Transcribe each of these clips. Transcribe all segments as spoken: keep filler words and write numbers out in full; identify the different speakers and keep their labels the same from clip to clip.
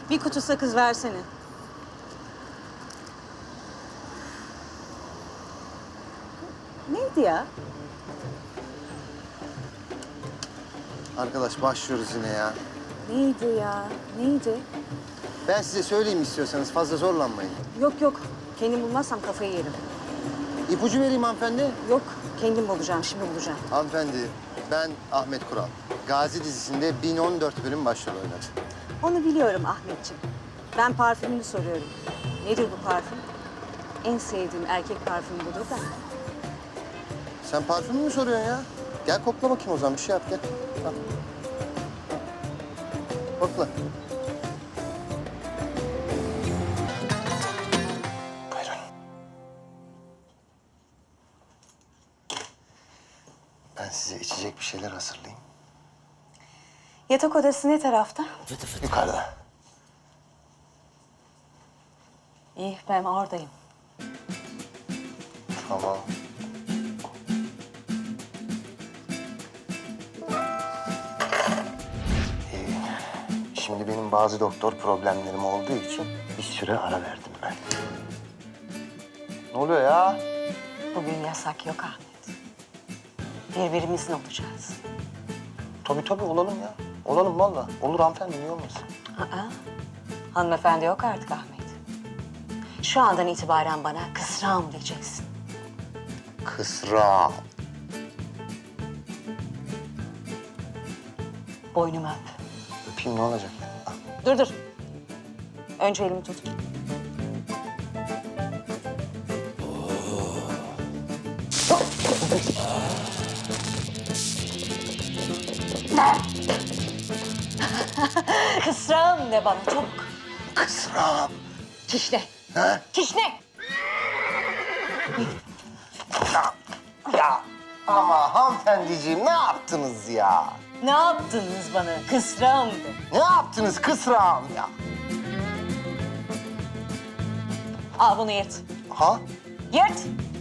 Speaker 1: Bir kutu sakız versene. Neydi ya?
Speaker 2: Arkadaş başlıyoruz yine ya.
Speaker 1: Neydi ya? Neydi?
Speaker 2: Ben size söyleyeyim istiyorsanız, fazla zorlanmayın.
Speaker 1: Yok yok. Kendim bulmazsam kafayı yerim.
Speaker 2: İpucu vereyim hanımefendi.
Speaker 1: Yok. Kendim bulacağım. Şimdi bulacağım.
Speaker 2: Hanımefendi, ben Ahmet Kural. Gazi dizisinde bin on dört bölüm başrol oynadım.
Speaker 1: Onu biliyorum Ahmetciğim. Ben parfümünü soruyorum. Nedir bu parfüm? En sevdiğim erkek parfümü budur da.
Speaker 2: Sen parfümü mü soruyorsun ya? Gel kokla bakayım o zaman, bir şey yap gel. Al. Kokla. Buyurun. Ben size içecek bir şeyler hazırlayayım.
Speaker 1: Yatak odası ne tarafta?
Speaker 2: Yukarıda.
Speaker 1: İyi, ben oradayım.
Speaker 2: Tamam. Ee, şimdi benim bazı doktor problemlerim olduğu için bir süre ara verdim ben. Ne oluyor ya?
Speaker 1: Bugün yasak yok Ahmet. Birbirimizin olacağız.
Speaker 2: Tabii tabii olalım ya. Olalım vallahi. Olur hanımefendi, niye olmasın?
Speaker 1: Aa, hanımefendi yok artık Ahmet. Şu andan itibaren bana kısrağım diyeceksin.
Speaker 2: Kısra.
Speaker 1: Boynumu öp.
Speaker 2: Öpeyim, ne olacak? Ah,
Speaker 1: Dur dur. Önce elimi tut. Kısrağım de bana çabuk.
Speaker 2: Kısra.
Speaker 1: Kişne.
Speaker 2: Ha?
Speaker 1: Kişne.
Speaker 2: Ya, ya. Ama hanımefendiciğim ne yaptınız ya?
Speaker 1: Ne yaptınız bana? Kısrağım de.
Speaker 2: Ne yaptınız kısrağım ya?
Speaker 1: Al bunu yırt.
Speaker 2: Ha?
Speaker 1: Yırt.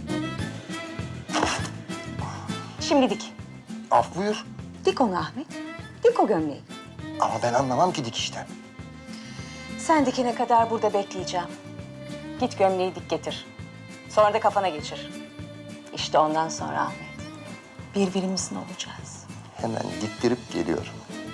Speaker 1: Şimdi dik.
Speaker 2: Af buyur.
Speaker 1: Dik onu Ahmet. Dik o gömleği.
Speaker 2: Ama ben anlamam ki dikişten.
Speaker 1: Sen dikene kadar burada bekleyeceğim. Git gömleği dik getir. Sonra da kafana geçir. İşte ondan sonra Ahmet, birbirimizin olacağız.
Speaker 2: Hemen diktirip geliyorum.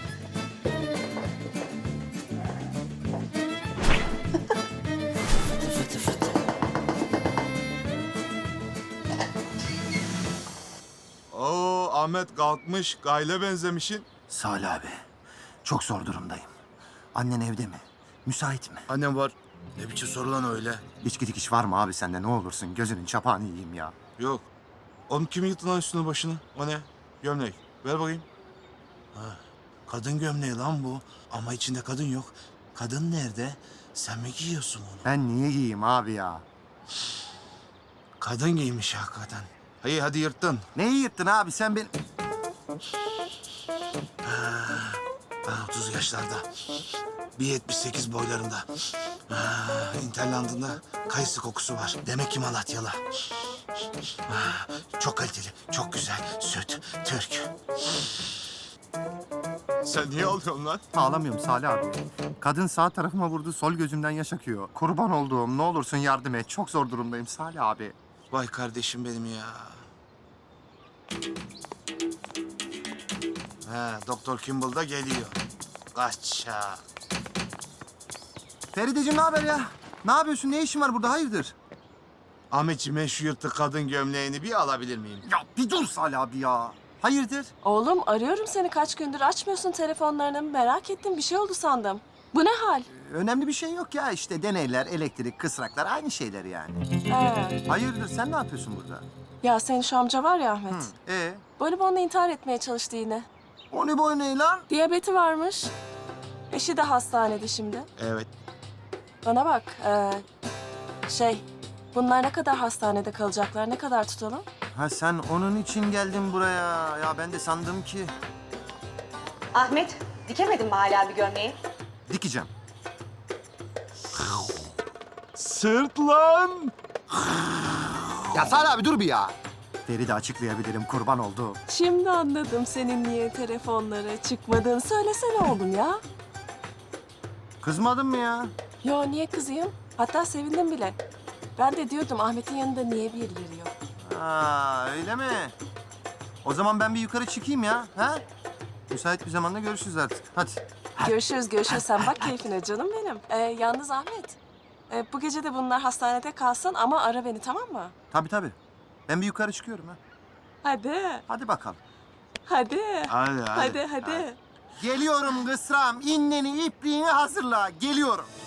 Speaker 3: Oo Ahmet kalkmış, gayle benzemişin.
Speaker 4: Salih abi, çok zor durumdayım. Annen evde mi? Müsait mi?
Speaker 3: Annem var. Ne biçim soru lan öyle?
Speaker 4: İçki dikiş var mı abi sende ne olursun? Gözünün çapağını yiyeyim ya.
Speaker 3: Yok. Oğlum kim yıktı lan üstüne başını? O ne? Gömlek. Ver bakayım. Ha, kadın gömleği lan bu. Ama içinde kadın yok. Kadın nerede? Sen mi giyiyorsun onu?
Speaker 4: Ben niye giyeyim abi ya?
Speaker 3: Kadın giymiş hakikaten. Hayır hadi yırttın.
Speaker 4: Neyi yırttın abi sen ben...
Speaker 3: Ha, otuz yaşlarda. bir yetmiş sekiz boylarında. Ha, interlandında kayısı kokusu var. Demek ki Malatyalı. Ha, çok kaliteli, çok güzel. Süt, Türk. Sen niye ağlıyorsun lan?
Speaker 4: Ağlamıyorum Salih abi. Kadın sağ tarafıma vurdu, sol gözümden yaş akıyor. Kurban olduğum, ne olursun yardım et. Çok zor durumdayım Salih abi.
Speaker 3: Vay kardeşim benim ya. Ha, Doktor Kimball da geliyor. Kaçak.
Speaker 4: Ferideciğim ne haber ya? Ne yapıyorsun? Ne işin var burada? Hayırdır?
Speaker 3: Ahmetciğim ben şu yırtık kadın gömleğini bir alabilir miyim?
Speaker 4: Ya bir dur Salih abi ya. Hayırdır?
Speaker 5: Oğlum arıyorum seni kaç gündür açmıyorsun telefonlarını. Merak ettim bir şey oldu sandım. Bu ne hal?
Speaker 4: Önemli bir şey yok ya işte deneyler, elektrik, kısraklar aynı şeyler yani.
Speaker 5: Ha.
Speaker 4: Hayırdır sen ne yapıyorsun burada?
Speaker 5: Ya senin şu amca var ya Ahmet.
Speaker 4: Ee,
Speaker 5: Bonibonla intihar etmeye çalıştı yine.
Speaker 4: o ne boy ne lan?
Speaker 5: Diyabeti varmış. Eşi de hastanede şimdi.
Speaker 3: Evet.
Speaker 5: Bana bak. ee, şey bunlar ne kadar hastanede kalacaklar? Ne kadar tutalım?
Speaker 4: Ha sen onun için geldin buraya. Ya ben de sandım ki
Speaker 1: Ahmet, dikemedin mi hala bir gömleği?
Speaker 4: dikeceğim.
Speaker 3: Sırt lan!
Speaker 4: Ya Salih abi dur bir ya. Feride açıklayabilirim kurban oldu.
Speaker 5: Şimdi anladım senin niye telefonlara çıkmadığını. Söylesene oğlum ya.
Speaker 4: Kızmadın mı ya?
Speaker 5: Yo niye kızayım? Hatta sevindim bile. Ben de diyordum Ahmet'in yanında niye birileri yok?
Speaker 4: Ha, öyle mi? O zaman ben bir yukarı çıkayım ya. Ha? Müsait bir zamanda görüşürüz artık. Hadi.
Speaker 5: Görüşürüz görüşürüz. Sen bak keyfine canım benim. Ee, yalnız Ahmet. e, bu gece de bunlar hastanede kalsın ama ara beni tamam mı?
Speaker 4: Tabii tabii. Ben bir yukarı çıkıyorum ha.
Speaker 5: Hadi.
Speaker 4: Hadi bakalım.
Speaker 5: Hadi.
Speaker 3: Hadi hadi.
Speaker 5: Hadi hadi.
Speaker 4: Geliyorum kısram. İnneni, ipliğini hazırla. Geliyorum.